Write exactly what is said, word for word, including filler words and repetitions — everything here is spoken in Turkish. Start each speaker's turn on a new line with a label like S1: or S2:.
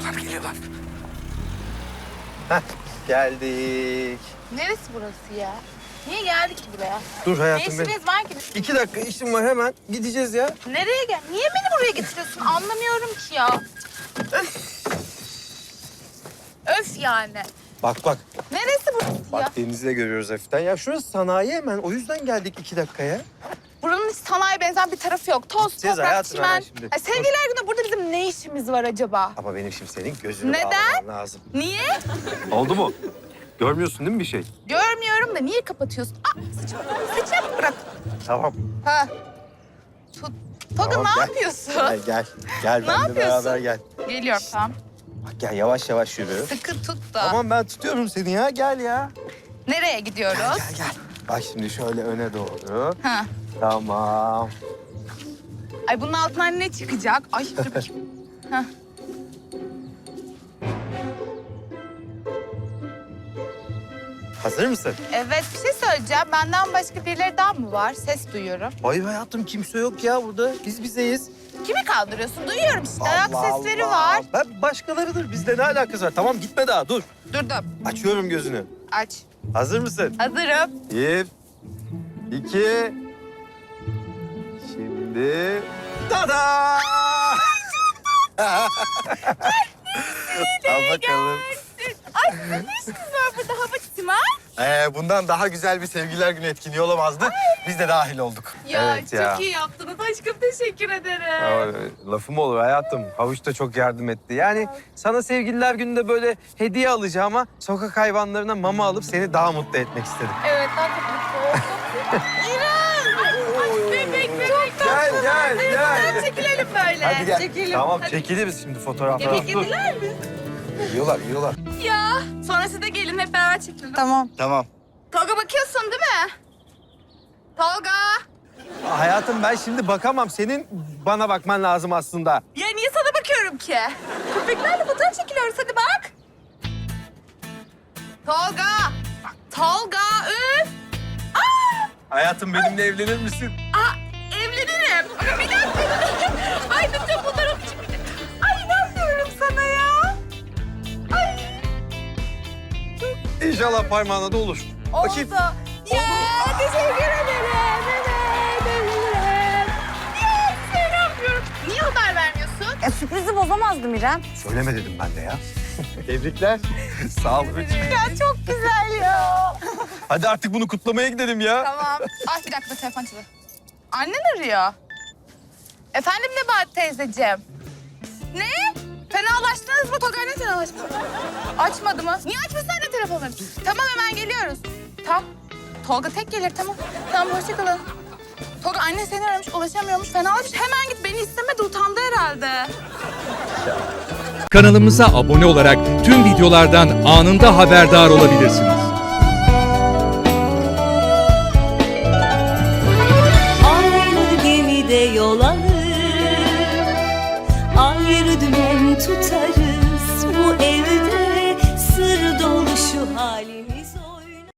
S1: Geliyorlar, geliyorlar. Heh, geldik.
S2: Neresi burası ya? Niye geldik ki buraya?
S1: Dur
S2: Ne
S1: hayatım benim.
S2: işiniz var ki?
S1: İki dakika işim var, hemen gideceğiz ya.
S2: Nereye gel? Niye beni buraya getiriyorsun? Anlamıyorum ki ya. Öf. Öf yani.
S1: Bak bak.
S2: Neresi burası ya?
S1: Bak denizi de görüyoruz hafiften. Ya şurası sanayi hemen. O yüzden geldik iki dakikaya.
S2: Buranın hiç sanayi benzer bir tarafı yok. Toz,
S1: Gideceğiz
S2: toprak,
S1: hayatım
S2: çimen.
S1: hemen şimdi.
S2: Ay, sevgililer günü burada bizim ne işimiz var acaba?
S1: Ama benim şimdi senin gözünü
S2: Neden?
S1: bağlamam lazım.
S2: Niye?
S1: Oldu mu? Görmüyorsun değil mi bir şey?
S2: Görmüyorum da niye kapatıyorsun? Aa, saçımı, saçımı bırak.
S1: Tamam.
S2: Ha. Tut. Tolga
S1: Tamam,
S2: ne
S1: gel.
S2: yapıyorsun?
S1: Gel gel. Gel
S2: Ne
S1: benimle
S2: yapıyorsun?
S1: beraber gel.
S2: Geliyorum tamam.
S1: Bak gel yavaş yavaş yürü.
S2: Sıkı tut da.
S1: Tamam ben tutuyorum seni ya. Gel ya.
S2: Nereye gidiyoruz?
S1: Gel gel. Bak şimdi şöyle öne doğru.
S2: Ha.
S1: Tamam.
S2: Ay bunun altından ne çıkacak? Ay dur bakayım. Hah.
S1: Hazır mısın?
S2: Evet bir şey söyleyeceğim. Benden başka birileri daha mı var? Ses duyuyorum.
S1: Hayır hayatım kimse yok ya burada. Biz bizeyiz.
S2: Kimi kaldırıyorsun? Duyuyorum işte. Ayak
S1: Allah
S2: sesleri
S1: Allah.
S2: var.
S1: Ben başkalarıdır. Bizde ne alakası var? Tamam gitme daha dur.
S2: Durdum.
S1: Açıyorum gözünü.
S2: Aç.
S1: Hazır mısın?
S2: Hazırım.
S1: Bir, iki, şimdi... Tada! Al bakalım.
S2: Ay ne işiniz var burada hava çimen?
S1: Ee, bundan daha güzel bir sevgililer günü etkinliği olamazdı. Biz de dahil olduk.
S2: Ya
S1: Evet
S2: çok
S1: ya.
S2: iyi yaptınız. Aşkım teşekkür ederim.
S1: Aa, lafım olur hayatım. Havuç da çok yardım etti. Yani sana sevgililer gününde böyle hediye alacağıma sokak hayvanlarına mama alıp seni daha mutlu etmek istedim.
S2: Evet ben çok mutlu oldum. İrem! Ay bebek bebek.
S1: Gel gel
S2: Hadi
S1: gel.
S2: çekilelim böyle.
S1: Hadi gel.
S2: Çekelim.
S1: Tamam
S2: Hadi.
S1: çekiliriz şimdi fotoğraflar.
S2: Yemek
S1: Dur.
S2: yediler mi?
S1: Yiyorlar yiyorlar.
S2: Ya sonra siz de gelin hep beraber çekelim. Tamam.
S1: Tamam.
S2: Tolga bakıyorsun değil mi? Tolga.
S1: Hayatım ben şimdi bakamam. Senin bana bakman lazım aslında.
S2: Ya niye sana bakıyorum ki? Köpeklerle fotoğraf çekiliyoruz hadi bak. Tolga. Tolga üf. Aa,
S1: Hayatım benimle evlenir misin?
S2: aa evlenirim. Ama bir dakika. Ay lütfen fotoğraf çekelim. Ay inanmıyorum sana ya. Ay.
S1: İnşallah parmağına da olur. Bakayım.
S2: Oldu. Ya teşekkür ederim. Evet, ederim. Ya seni yapıyorum. Niye haber vermiyorsun?
S3: E, sürprizi bozamazdım İrem.
S1: Söyleme dedim ben de ya. Tebrikler. Sağ ol.
S2: Ya çok güzel ya.
S1: Hadi artık bunu kutlamaya gidelim ya.
S2: Tamam. Ay bir dakika telefon çalıyor. Annen arıyor. Efendim Nebahat teyzeciğim. Ne? Fenalaştınız mı? Tolga ne fenalaştı? Açmadı mı? Niye açmışsın anne telefonunu? Tamam hemen geliyoruz. Tamam. Tolga tek gelir tamam. Tamam hoşça kalın. Tolga anne seni aramış ulaşamıyormuş. Fenalaşmış. Hemen git beni istemedi utandı herhalde.
S4: Kanalımıza abone olarak tüm videolardan anında haberdar olabilirsiniz.
S5: Aynı gemide yol alır, ayrı dümen tutarız. Bu evde sır dolu şu halimiz.